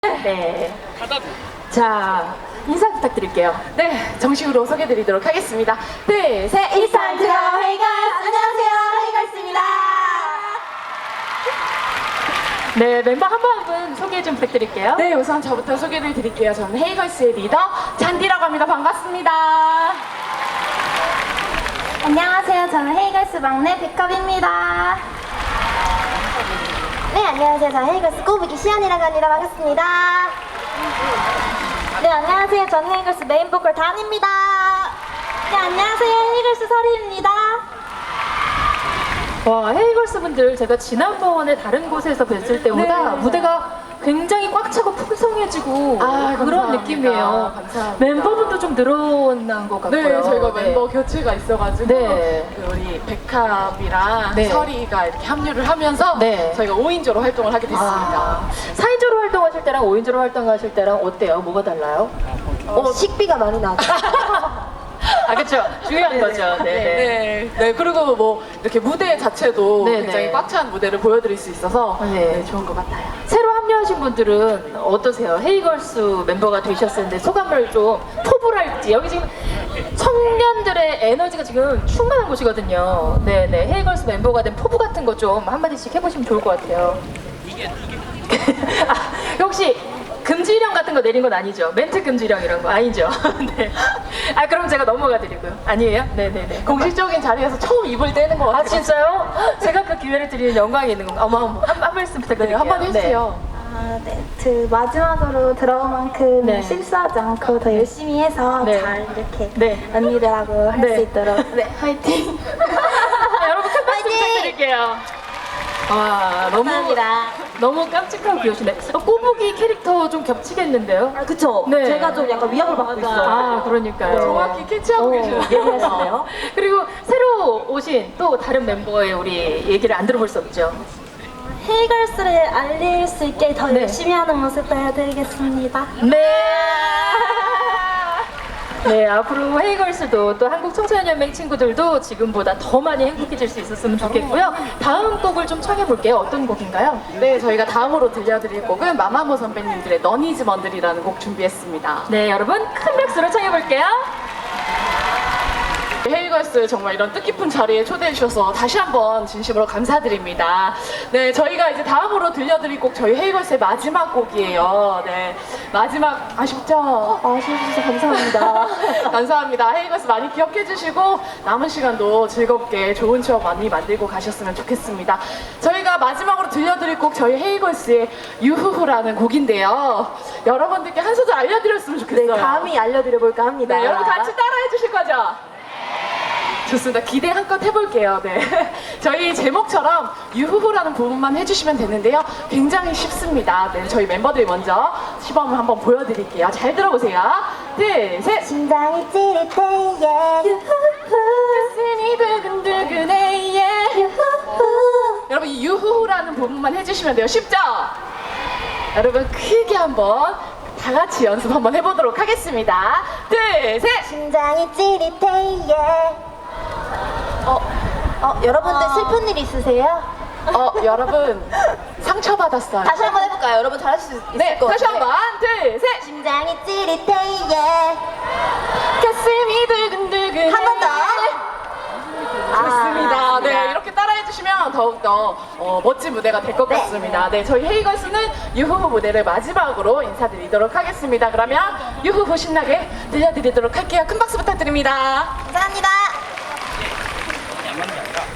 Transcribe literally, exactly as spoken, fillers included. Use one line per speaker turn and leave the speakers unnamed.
네. 자, 인사 부탁드릴게요. 네, 정식으로 소개드리도록 하겠습니다. 둘, 셋,
인스턴트 헤이걸스! 안녕하세요, 헤이걸스입니다.
네, 멤버 한 분 한 분 소개 좀 부탁드릴게요.
네, 우선 저부터 소개를 드릴게요. 저는 헤이걸스의 리더 잔디라고 합니다. 반갑습니다.
안녕하세요, 저는 헤이걸스 막내 백합입니다. 네, 안녕하세요, 저는 헤이걸스 꼬부기 시연이라고 합니다. 반갑습니다. 네, 안녕하세요, 저는 헤이걸스 메인 보컬 단입니다. 네, 안녕하세요, 헤이걸스 설희입니다.
와, 헤이걸스 분들 제가 지난번에 다른 곳에서 뵀을 때보다
네.
무대가 굉장히 꽉 차고 풍성해지고
아,
그런
감사합니다.
느낌이에요.
감사합니다.
멤버분도 좀 늘어난 것 같고요.
네, 저희가
네.
멤버 교체가 있어가지고
네.
그 우리 백합이랑
네.
설이가 이렇게 합류를 하면서
네.
저희가 오 인조로 활동을 하게 됐습니다.
아, 사 인조로 활동하실 때랑 오 인조로 활동하실 때랑 어때요? 뭐가 달라요?
어, 식비가 많이 나죠.
아, 그렇죠. 중요한 거죠. 네. 네.
네, 네, 그리고 뭐 이렇게 무대 자체도
네,
굉장히
네.
꽉 찬 무대를 보여드릴 수 있어서
네.
네, 좋은 것 같아요.
새로 합류하신 분들은 어떠세요? 헤이걸스 멤버가 되셨었는데 소감을 좀 포부랄지. 여기 지금 청년들의 에너지가 지금 충만한 곳이거든요. 네네. 헤이걸스 멤버가 된 포부 같은 거 좀 한마디씩 해보시면 좋을 것 같아요. 아, 혹시 금지령 같은 거 내린 건 아니죠? 멘트 금지령 이런 거 아니죠? 네. 아, 그럼 제가 넘어가 드리고요. 아니에요? 네네네.
공식적인 자리에서 처음 입을 떼는 것 같아요.
아, 진짜요? 제가 그 기회를 드리는 영광이 있는 건가? 어머, 어머. 한, 한 말씀
네,
부탁드릴게요.
한마디 해주세요.
아, 네. 그 마지막으로 들어온 만큼
네.
실수하지 않고 더 열심히 해서
네.
잘 이렇게
네.
언니들하고 할 수
네.
있도록 네, 화이팅!
아, 여러분 큰 박수
화이팅!
부탁드릴게요. 아, 너무
감사합니다.
너무 깜찍하고 귀여우시네. 어, 꼬부기 캐릭터 좀 겹치겠는데요?
아, 그쵸?
네.
제가 좀 약간 위협을 받고 있어요.
아, 그러니까요.
정확히 캐치하고
어,
계시네요.
예리하시네요. 그리고 새로 오신 또 다른 멤버의 우리 얘기를 안 들어볼 수 없죠.
헤이걸스를 알릴 수 있게 더
네.
열심히 하는 모습 보여드리겠습니다.
네. 네, 앞으로 헤이걸스도 또 한국 청소년연맹 친구들도 지금보다 더 많이 행복해질 수 있었으면 좋겠고요. 다음 곡을 좀 청해볼게요. 어떤 곡인가요?
네, 저희가 다음으로 들려드릴 곡은 마마무 선배님들의 너니즈 먼들이라는 곡 준비했습니다.
네, 여러분 큰 박수로 청해볼게요.
헤이걸스 정말 이런 뜻깊은 자리에 초대해 주셔서 다시 한번 진심으로 감사드립니다. 네, 저희가 이제 다음으로 들려드릴 곡 저희 헤이걸스의 마지막 곡이에요. 네, 마지막 아쉽죠?
아쉬워주셔서 감사합니다.
감사합니다. 헤이걸스 많이 기억해 주시고 남은 시간도 즐겁게 좋은 추억 많이 만들고 가셨으면 좋겠습니다. 저희가 마지막으로 들려드릴 곡 저희 헤이걸스의 유후후라는 곡인데요. 여러분들께 한 소절 알려드렸으면 좋겠어요.
네, 감히 알려드려볼까 합니다.
네, 여러분 같이 따라해 주실 거죠? 좋습니다. 기대 한껏 해볼게요. 네. 저희 제목처럼 유후후라는 부분만 해주시면 되는데요. 굉장히 쉽습니다. 네, 저희 멤버들이 먼저 시범을 한번 보여드릴게요. 잘 들어보세요. 둘, 셋.
심장이 찌릿해, yeah. 유후후.
가슴이 두근두근해, yeah.
유후후.
여러분 이 유후후라는 부분만 해주시면 돼요. 쉽죠? 여러분 크게 한번 다 같이 연습 한번 해보도록 하겠습니다. 둘, 셋.
심장이 찌릿해, yeah. 어, 어, 여러분들
어.
슬픈 일 있으세요?
어, 여러분 상처받았어요.
다시 한번 해볼까요? 여러분 잘하실 수 있을
네,
것
다시
같아요.
한번. 둘, 셋.
심장이 찌릿해, yeah.
가슴이 두근두근.
한 번 더.
좋습니다.
아,
네, 이렇게 따라해 주시면 더욱더 어, 멋진 무대가 될 것
네.
같습니다. 네, 저희 헤이걸스는 유후후 무대를 마지막으로 인사드리도록 하겠습니다. 그러면 유후후 신나게 들려드리도록 할게요. 큰 박수 부탁드립니다.
감사합니다.